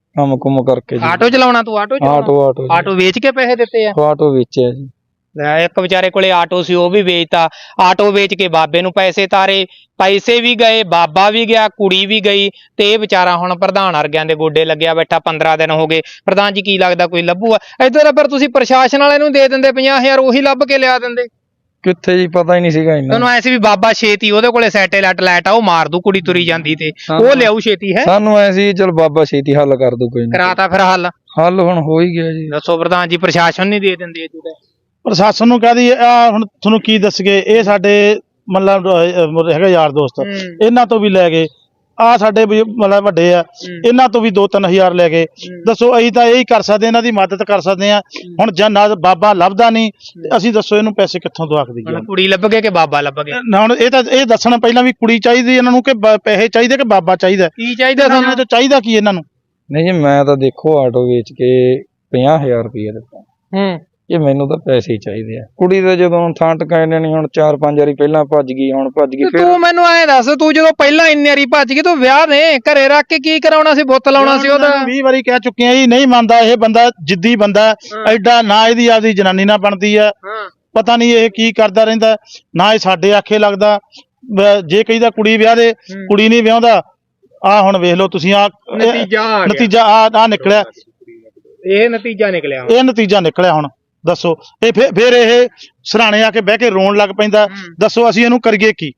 Speaker 2: ਕੰਮ ਕੁਮ ਕਰਕੇ ਜੀ।
Speaker 1: ਆਟੋ ਚਲਾਉਣਾ ਤੂੰ? ਆਟੋ ਆਟੋ ਵੇਚ ਕੇ ਪੈਸੇ ਦਿੱਤੇ ਆ?
Speaker 2: ਆਟੋ ਵੇਚਿਆ ਜੀ।
Speaker 1: ਇੱਕ ਵਿਚਾਰੇ ਕੋਲੇ ਆਟੋ ਸੀ, ਉਹ ਵੀ ਵੇਚਤਾ। ਆਟੋ ਵੇਚ ਕੇ ਬਾਬੇ ਨੂੰ ਪੈਸੇ ਤਾਰੇ, ਪੈਸੇ ਵੀ ਗਏ, ਬਾਬਾ ਵੀ ਗਿਆ, ਕੁੜੀ ਵੀ ਗਈ, ਤੇ ਇਹ ਵਿਚਾਰਾ ਹੁਣ ਪ੍ਰਧਾਨ ਵਰਗਿਆਂ ਦੇ ਗੋਡੇ ਲੱਗਿਆ ਬੈਠਾ। 15 ਦਿਨ ਹੋ ਗਏ। ਪ੍ਰਧਾਨ ਜੀ ਕੀ ਲੱਗਦਾ ਕੋਈ ਲੱਭੂਗਾ ਇੱਧਰ? ਪਰ ਤੁਸੀਂ ਪ੍ਰਸ਼ਾਸਨ ਵਾਲੇ ਨੂੰ ਦੇ ਦਿੰਦੇ 50,000, ਉਹੀ ਲੱਭ ਕੇ ਲਿਆ ਦਿੰਦੇ।
Speaker 2: ਕਿੱਥੇ ਜੀ, ਪਤਾ ਹੀ ਨਹੀਂ ਸੀਗਾ ਇਹਨਾਂ
Speaker 1: ਤੁਹਾਨੂੰ ਐ ਸੀ ਵੀ ਬਾਬਾ ਛੇਤੀ ਉਹਦੇ ਕੋਲੇ ਸੈਟੇਲਾਈਟ ਲਾਈਟ ਆ, ਉਹ ਮਾਰ ਦੂ ਕੁੜੀ ਤੁਰੀ ਜਾਂਦੀ ਤੇ ਉਹ ਲਿਆਊ ਛੇਤੀ। ਹੈ
Speaker 2: ਸਾਨੂੰ ਐ ਸੀ ਚਲ ਬਾਬਾ ਛੇਤੀ ਹੱਲ ਕਰ ਦੂ ਕੋਈ।
Speaker 1: ਕਰਾਤਾ ਫਿਰ ਹੱਲ
Speaker 2: ਹੁਣ ਹੋ ਹੀ ਗਿਆ ਜੀ।
Speaker 1: ਦੱਸੋ ਪ੍ਰਧਾਨ ਜੀ, ਪ੍ਰਸ਼ਾਸਨ ਨਹੀਂ ਦੇ ਦਿੰਦੇ ਇਹ ਤੇ?
Speaker 3: ਪ੍ਰਸ਼ਾਸਨ ਨੂੰ ਕਹਦੀ ਹੁਣ ਤੁਹਾਨੂੰ ਕੀ ਦੱਸਗੇ, ਇਹ ਸਾਡੇ ਮਤਲਬ ਹੈਗਾ ਯਾਰ ਦੋਸਤ, ਇਹਨਾਂ ਤੋਂ ਵੀ ਲੈ ਗਏ। ਆ ਸਾਡੇ ਮਤਲਬ ਵੱਡੇ ਆ, ਇਹਨਾਂ ਤੋਂ ਵੀ 2-3 ਹਜ਼ਾਰ ਲੈ ਗਏ। ਦੱਸੋ ਅਸੀਂ ਤਾਂ ਇਹੀ ਕਰ ਸਕਦੇ, ਇਹਨਾਂ ਦੀ ਮਦਦ ਕਰ ਸਕਦੇ ਆ। ਹੁਣ ਜੇ ਨਾ ਬਾਬਾ ਲੱਭਦਾ ਨਹੀਂ, ਅਸੀਂ ਦੱਸੋ ਇਹਨੂੰ ਪੈਸੇ ਕਿੱਥੋਂ ਦਵਾ ਕੇ ਦਈਏ?
Speaker 1: ਕੁੜੀ ਲੱਭ ਗਏ ਕਿ ਬਾਬਾ ਲੱਭ ਗਿਆ?
Speaker 3: ਹੁਣ ਇਹ ਦੱਸਣਾ ਪਹਿਲਾਂ ਵੀ ਕੁੜੀ ਚਾਹੀਦੀ ਇਹਨਾਂ ਨੂੰ ਕਿ ਪੈਸੇ ਚਾਹੀਦੇ ਕਿ ਬਾਬਾ ਚਾਹੀਦਾ?
Speaker 1: ਕੀ ਚਾਹੀਦਾ ਤੁਹਾਨੂੰ?
Speaker 3: ਚਾਹੀਦਾ ਕੀ ਇਹਨਾਂ ਨੂੰ?
Speaker 2: ਨਹੀਂ ਜੀ, ਮੈਂ ਤਾਂ ਦੇਖੋ ਆਟੋ ਵੇਚ ਕੇ 50,000 ਰੁਪਏ ਦਿੱਤਾ। ਇਹ ਮੈਨੂੰ ਤਾਂ ਪੈਸੇ ਹੀ ਚਾਹੀਦੇ ਆ। ਕੁੜੀ ਦਾ ਜਦੋਂ ਥਾਂ ਟਿਕਾਣੇ ਨਹੀਂ, ਹੁਣ 4-5 ਵਾਰੀ ਪਹਿਲਾਂ ਭੱਜ ਗਈ, ਹੁਣ ਭੱਜ ਗਈ।
Speaker 1: ਤੂੰ ਮੈਨੂੰ ਐਂ ਦੱਸ, ਤੂੰ ਜਦੋਂ ਪਹਿਲਾਂ ਇੰਨੀ ਵਾਰੀ ਭੱਜ ਗਈ, ਤੂੰ ਵਿਆਹ ਨੇ ਘਰੇ ਰੱਖ ਕੇ ਕੀ ਕਰਾਉਣਾ ਸੀ? ਬੁੱਤ ਲਾਉਣਾ ਸੀ ਉਹਦਾ।
Speaker 3: 20 ਵਾਰੀ ਕਹਿ ਚੁੱਕੇ ਆ ਜੀ, ਨਹੀਂ ਮੰਨਦਾ ਇਹ ਬੰਦਾ। ਜਿੱਦੀ ਬੰਦਾ ਐਡਾ, ਨਾ ਇਹਦੀ ਆਪਦੀ ਜਨਾਨੀ ਨਾਲ ਬਣਦੀ ਆ, ਪਤਾ ਨਹੀਂ ਇਹ ਕੀ ਕਰਦਾ ਰਹਿੰਦਾ, ਨਾ ਇਹ ਸਾਡੇ ਆਖੇ ਲੱਗਦਾ। ਜੇ ਕਹੀਦਾ ਕੁੜੀ ਵਿਆਹ ਦੇ, ਕੁੜੀ ਨਹੀਂ ਵਿਆਹੁੰਦਾ। ਆ ਹੁਣ ਵੇਖ ਲਓ ਤੁਸੀਂ, ਆ ਨਤੀਜਾ ਆ ਨਿਕਲਿਆ।
Speaker 1: ਇਹ ਨਤੀਜਾ
Speaker 3: ਨਿਕਲਿਆ ਹੁਣ ਦੱਸੋ। ਇਹ ਫਿਰ ਇਹ ਸਰਾਣੇ ਆ ਕੇ ਬਹਿ ਕੇ ਰੋਣ ਲੱਗ ਪੈਂਦਾ। ਦੱਸੋ ਅਸੀਂ ਇਹਨੂੰ ਕਰੀਏ ਕੀ?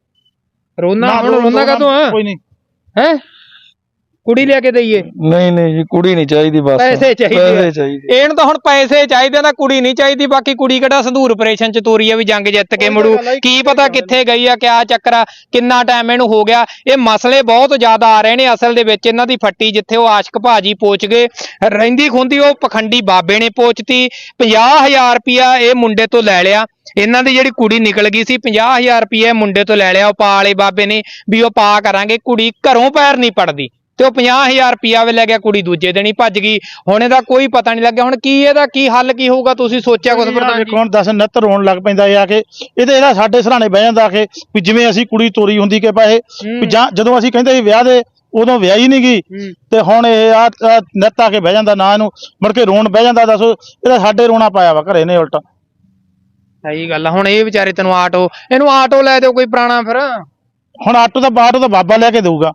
Speaker 1: ਰੋਣਾ ਕਾਹਤੋਂ ਆ?
Speaker 3: ਕੋਈ ਨਹੀਂ
Speaker 1: ਹੈ, ਕੁੜੀ ਲਿਆ ਕੇ ਦਈਏ?
Speaker 2: ਨਹੀਂ ਜੀ, ਕੁੜੀ ਨਹੀਂ ਚਾਹੀਦੀ, ਬਸ
Speaker 1: ਪੈਸੇ ਚਾਹੀਦੇ। ਇਹਨੂੰ ਤਾਂ ਹੁਣ ਪੈਸੇ ਚਾਹੀਦੇ ਨਾ, ਕੁੜੀ ਨਹੀਂ ਚਾਹੀਦੀ। ਬਾਕੀ ਕੁੜੀ ਕਿਹੜਾ ਸੰਧੂਰ ਆਪਰੇਸ਼ਨ ਚ ਤੋਰੀ ਆ ਵੀ ਜੰਗ ਜਿੱਤ ਕੇ ਮੁੜੂ? ਕੀ ਪਤਾ ਕਿੱਥੇ ਗਈ ਆ, ਕਿਆ ਚੱਕਰ ਆ, ਕਿੰਨਾ ਟਾਈਮ ਇਹਨੂੰ ਹੋ ਗਿਆ। ਇਹ ਮਸਲੇ ਬਹੁਤ ਜ਼ਿਆਦਾ ਆ ਰਹੇ ਨੇ ਅਸਲ ਦੇ ਵਿੱਚ। ਇਹਨਾਂ ਦੀ ਫੱਟੀ ਜਿੱਥੇ ਉਹ ਆਸ਼ਕ ਭਾਜੀ ਪੋਚ ਗਏ, ਰਹਿੰਦੀ ਖੁੰਦੀ ਉਹ ਪਖੰਡੀ ਬਾਬੇ ਨੇ ਪੋਚਤੀ। 50,000 ਰੁਪਇਆ ਇਹ ਮੁੰਡੇ ਤੋਂ ਲੈ ਲਿਆ। ਇਹਨਾਂ ਦੀ ਜਿਹੜੀ ਕੁੜੀ ਨਿਕਲ ਗਈ ਸੀ, 50,000 ਰੁਪਇਆ ਮੁੰਡੇ ਤੋਂ ਲੈ ਲਿਆ ਉਹ ਪਾ ਵਾਲੇ ਬਾਬੇ ਨੇ ਵੀ ਉਹ ਪਾ ਕਰਾਂਗੇ। ਕੁੜੀ ਘਰੋਂ ਪੈਰ ਨਹੀਂ ਪੜਦੀ ਤੇ ਉਹ 50,000 ਰੁਪਇਆ ਵੀ ਲੈ ਗਿਆ। ਕੁੜੀ ਦੂਜੇ ਦਿਨ ਹੀ ਭੱਜ ਗਈ। ਹੁਣ ਇਹਦਾ ਕੋਈ ਪਤਾ ਨਹੀਂ ਲੱਗਿਆ। ਹੁਣ ਕੀ ਇਹਦਾ ਕੀ ਹੱਲ ਕੀ ਹੋਊਗਾ? ਤੁਸੀਂ ਸੋਚਿਆ ਕੁਝ? ਪ੍ਰਧਾਨ ਜੀ
Speaker 3: ਕੌਣ ਦੱਸ, ਨਿੱਤ ਰੋਣ ਲੱਗ ਪੈਂਦਾ ਆ ਕੇ। ਇਹਦਾ ਸਾਡੇ ਸਰਾਣੇ ਬਹਿ ਜਾਂਦਾ ਆ ਕੇ ਵੀ ਜਿਵੇਂ ਅਸੀਂ ਕੁੜੀ ਤੋਰੀ ਹੁੰਦੀ ਕਿ ਪੈਸੇ ਵੀ, ਜਾਂ ਜਦੋਂ ਅਸੀਂ ਕਹਿੰਦੇ ਸੀ ਵਿਆਹ ਦੇ, ਉਦੋਂ ਵਿਆਹ ਹੀ ਨਹੀਂ ਗਈ। ਤੇ ਹੁਣ ਇਹ ਆ ਨਿੱਤ ਆ ਕੇ ਬਹਿ ਜਾਂਦਾ, ਨਾ ਇਹਨੂੰ ਮੁੜ ਕੇ ਰੋਣ ਬਹਿ ਜਾਂਦਾ। ਦੱਸੋ, ਇਹਦਾ ਸਾਡੇ ਰੋਣਾ ਪਾਇਆ ਵਾ ਘਰੇ ਨੇ ਉਲਟਾ।
Speaker 1: ਸਹੀ ਗੱਲ ਆ। ਹੁਣ ਇਹ ਵਿਚਾਰੇ ਤੈਨੂੰ ਇਹਨੂੰ ਆਟੋ ਲੈ ਦਿਓ ਕੋਈ ਪੁਰਾਣਾ। ਫਿਰ
Speaker 3: ਹੁਣ ਆਟੋ ਤਾਂ ਬਾਬਾ ਲੈ ਕੇ ਦੇਊਗਾ।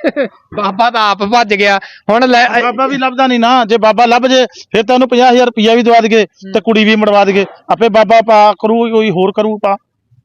Speaker 1: ਬਾਬਾ ਤਾਂ ਆਪ ਭੱਜ ਗਿਆ। ਹੁਣ
Speaker 3: ਬਾਬਾ ਵੀ ਲੱਭਦਾ ਨਹੀਂ ਨਾ। ਜੇ ਬਾਬਾ ਲੱਭ ਜੇ ਫਿਰ ਤਾਂ ਉਹਨੂੰ 50,000 ਰੁਪਇਆ ਵੀ ਦਵਾ ਦਈਏ ਤੇ ਕੁੜੀ ਵੀ ਮੜਵਾ ਦਈਏ। ਆਪੇ ਬਾਬਾ ਪਾ ਕਰੂ, ਕੋਈ ਹੋਰ ਕਰੂ ਪਾ।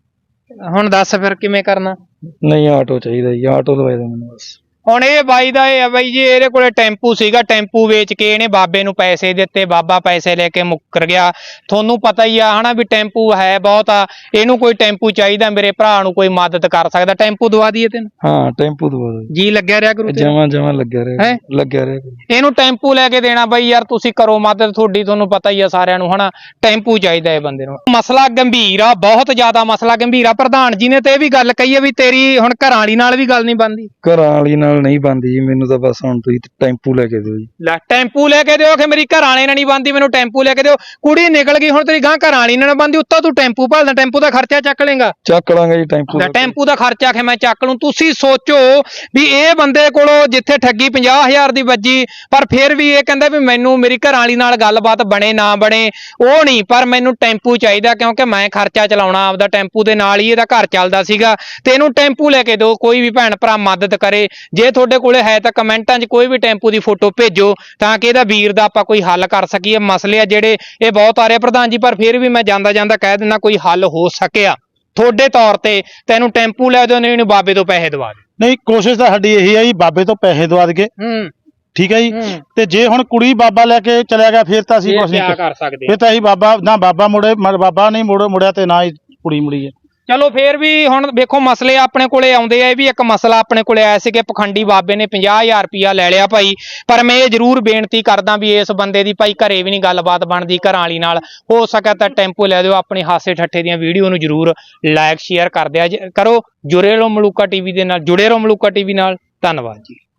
Speaker 1: ਹੁਣ ਦੱਸ ਫਿਰ ਕਿਵੇਂ ਕਰਨਾ?
Speaker 2: ਨਹੀਂ, ਆਟੋ ਚਾਹੀਦਾ ਜੀ, ਆਟੋ ਦਵਾ ਦੇ ਮੈਨੂੰ ਬਸ।
Speaker 1: ਹੁਣ ਇਹ ਬਾਈ ਦਾ ਇਹ ਆ ਬਾਈ ਜੀ, ਇਹਦੇ ਕੋਲੇ ਟੈਂਪੂ ਸੀਗਾ, ਟੈਂਪੂ ਵੇਚ ਕੇ ਇਹਨੇ ਬਾਬੇ ਨੂੰ ਪੈਸੇ ਦਿੱਤੇ। ਬਾਬਾ ਪੈਸੇ ਲੈ ਕੇ ਮੁੱਕਰ ਗਿਆ। ਤੁਹਾਨੂੰ ਪਤਾ ਹੀ ਆ ਹਨਾ ਵੀ ਟੈਂਪੂ ਹੈ ਬਹੁਤ ਆ। ਇਹਨੂੰ ਕੋਈ ਟੈਂਪੂ ਚਾਹੀਦਾ, ਮੇਰੇ ਭਰਾ ਨੂੰ ਕੋਈ ਮਦਦ ਕਰ ਸਕਦਾ। ਟੈਂਪੂ ਦਵਾ ਦਈਏ ਤੈਨੂੰ?
Speaker 2: ਹਾਂ, ਟੈਂਪੂ ਦਵਾ ਦੋ
Speaker 1: ਜੀ। ਲੱਗਿਆ ਰਿਹਾ ਕਰੂ?
Speaker 2: ਜਮਾਂ ਲੱਗਿਆ ਰਿਹਾ।
Speaker 1: ਇਹਨੂੰ ਟੈਂਪੂ ਲੈ ਕੇ ਦੇਣਾ ਬਾਈ ਯਾਰ, ਤੁਸੀਂ ਕਰੋ ਮਦਦ। ਤੁਹਾਨੂੰ ਪਤਾ ਹੀ ਆ ਸਾਰਿਆਂ ਨੂੰ ਹਨਾ, ਟੈਂਪੂ ਚਾਹੀਦਾ ਇਹ ਬੰਦੇ ਨੂੰ। ਮਸਲਾ ਗੰਭੀਰ ਆ, ਬਹੁਤ ਜ਼ਿਆਦਾ ਮਸਲਾ ਗੰਭੀਰ ਆ। ਪ੍ਰਧਾਨ ਜੀ ਨੇ ਤੇ ਇਹ ਵੀ ਗੱਲ ਕਹੀ ਆ ਵੀ ਤੇਰੀ ਹੁਣ ਘਰਾਂ ਵਾਲੀ ਨਾਲ ਵੀ ਗੱਲ ਨਹੀਂ ਬਣਦੀ।
Speaker 2: ਘਰਾਂ ਵਾਲੀ ਨਾਲ ਨਹੀਂ ਬਣਦੀ ਜੀ, ਮੈਨੂੰ ਤਾਂ ਬਸ ਹੁਣ ਤੁਸੀਂ ਟੈਂਪੂ ਲੈ ਕੇ ਦਿਓ ਜੀ।
Speaker 1: ਲੈ ਟੈਂਪੂ ਲੈ ਕੇ ਦਿਓ ਕਿ ਮੇਰੀ ਘਰ ਵਾਲੇ ਨਾਲ ਨਹੀਂ ਬਣਦੀ, ਮੈਨੂੰ ਟੈਂਪੂ ਲੈ ਕੇ ਦਿਓ। ਕੁੜੀ ਨਿਕਲ ਗਈ, ਹੁਣ ਤੇਰੀ ਗਾਂ ਘਰ ਵਾਲੀ ਨਾਲ ਬਣਦੀ, ਉੱਤੋਂ ਤੂੰ ਟੈਂਪੂ ਭਾਲਦਾ। ਟੈਂਪੂ ਦਾ ਖਰਚਾ ਚੱਕ ਲੇਗਾ?
Speaker 2: ਚੱਕ ਲਾਂਗੇ ਜੀ ਟੈਂਪੂ
Speaker 1: ਦਾ ਖਰਚਾ ਕਿ ਮੈਂ ਚੱਕ ਲੂੰ? ਤੁਸੀਂ ਸੋਚੋ ਵੀ ਇਹ ਬੰਦੇ ਕੋਲੋਂ ਜਿੱਥੇ ਠੱਗੀ 50,000 ਦੀ ਵੱਜੀ, ਪਰ ਫਿਰ ਵੀ ਇਹ ਕਹਿੰਦਾ ਵੀ ਮੈਨੂੰ ਮੇਰੀ ਘਰ ਵਾਲੀ ਨਾਲ ਗੱਲਬਾਤ ਬਣੇ ਨਾ ਬਣੇ ਉਹ ਨਹੀਂ, ਪਰ ਮੈਨੂੰ ਟੈਂਪੂ ਚਾਹੀਦਾ ਕਿਉਂਕਿ ਮੈਂ ਖਰਚਾ ਚਲਾਉਣਾ ਆਪਦਾ। ਟੈਂਪੂ ਦੇ ਨਾਲ ਹੀ ਇਹਦਾ ਘਰ ਚੱਲਦਾ ਸੀਗਾ ਤੇ ਇਹਨੂੰ ਟੈਂਪੂ ਲੈ ਕੇ ਦਿਓ। ਕੋਈ ਵੀ ਭੈਣ ਭਰਾ ਮਦਦ ਕਰੇ। ਜੇ ਤੁਹਾਡੇ ਕੋਲੇ ਹੈ ਤਾਂ ਕਮੈਂਟਾਂ 'ਚ ਕੋਈ ਵੀ ਟੈਂਪੂ ਦੀ ਫੋਟੋ ਭੇਜੋ ਤਾਂ ਕਿ ਇਹਦਾ ਵੀਰ ਦਾ ਆਪਾਂ ਕੋਈ ਹੱਲ ਕਰ ਸਕੀਏ। ਮਸਲੇ ਆ ਜਿਹੜੇ ਇਹ ਬਹੁਤ ਆ ਰਹੇ ਪ੍ਰਧਾਨ ਜੀ, ਪਰ ਫਿਰ ਵੀ ਮੈਂ ਜਾਂਦਾ ਕਹਿ ਦਿੰਦਾ ਕੋਈ ਹੱਲ ਹੋ ਸਕਿਆ ਤੁਹਾਡੇ ਤੌਰ ਤੇ ਤੈਨੂੰ ਟੈਂਪੂ ਲੈ ਦਿਓ, ਨਹੀਂ ਬਾਬੇ ਤੋਂ ਪੈਸੇ ਦਵਾ ਦੇ।
Speaker 3: ਨਹੀਂ, ਕੋਸ਼ਿਸ਼ ਤਾਂ ਸਾਡੀ ਇਹੀ ਹੈ ਜੀ, ਬਾਬੇ ਤੋਂ ਪੈਸੇ ਦਵਾ ਦਈਏ। ਠੀਕ ਹੈ ਜੀ। ਤੇ ਜੇ ਹੁਣ ਕੁੜੀ ਬਾਬਾ ਲੈ ਕੇ ਚਲਿਆ ਗਿਆ ਫਿਰ ਤਾਂ ਅਸੀਂ ਕੁਝ ਨਹੀਂ ਕਰ ਸਕਦੇ। ਫਿਰ ਤਾਂ ਅਸੀਂ ਬਾਬਾ ਬਾਬਾ ਨਹੀਂ ਮੁੜਿਆ ਤੇ ਨਾ ਹੀ ਕੁੜੀ ਮੁੜੀ ਹੈ।
Speaker 1: ਚਲੋ ਫੇਰ ਵੀ ਹੁਣ ਵੇਖੋ ਮਸਲੇ ਆਪਣੇ ਕੋਲੇ ਆਉਂਦੇ ਆ। ਇਹ ਵੀ ਇੱਕ ਮਸਲਾ ਆਪਣੇ ਕੋਲੇ ਆਇਆ ਸੀ ਕਿ ਪਖੰਡੀ ਬਾਬੇ ਨੇ 50,000 ਰੁਪਇਆ ਲੈ ਲਿਆ ਭਾਈ। ਪਰ ਮੈਂ ਇਹ ਜ਼ਰੂਰ ਬੇਨਤੀ ਕਰਦਾ ਵੀ ਇਸ ਬੰਦੇ ਦੀ ਭਾਈ ਘਰੇ ਵੀ ਨਹੀਂ ਗੱਲਬਾਤ ਬਣਦੀ ਘਰਾਂ ਵਾਲੀ ਨਾਲ। ਹੋ ਸਕਿਆ ਤਾਂ ਟੈਂਪੂ ਲੈ ਦਿਓ। ਆਪਣੀ ਹਾਸੇ ਠੱਠੇ ਦੀਆਂ ਵੀਡੀਓ ਨੂੰ ਜ਼ਰੂਰ ਲਾਈਕ ਸ਼ੇਅਰ ਕਰ ਦਿਆ ਕਰੋ। ਜੁੜੇ ਰਹੋ ਮਲੂਕਾ ਟੀਵੀ ਦੇ ਨਾਲ, ਜੁੜੇ ਰਹੋ ਮਲੂਕਾ ਟੀਵੀ ਨਾਲ। ਧੰਨਵਾਦ ਜੀ।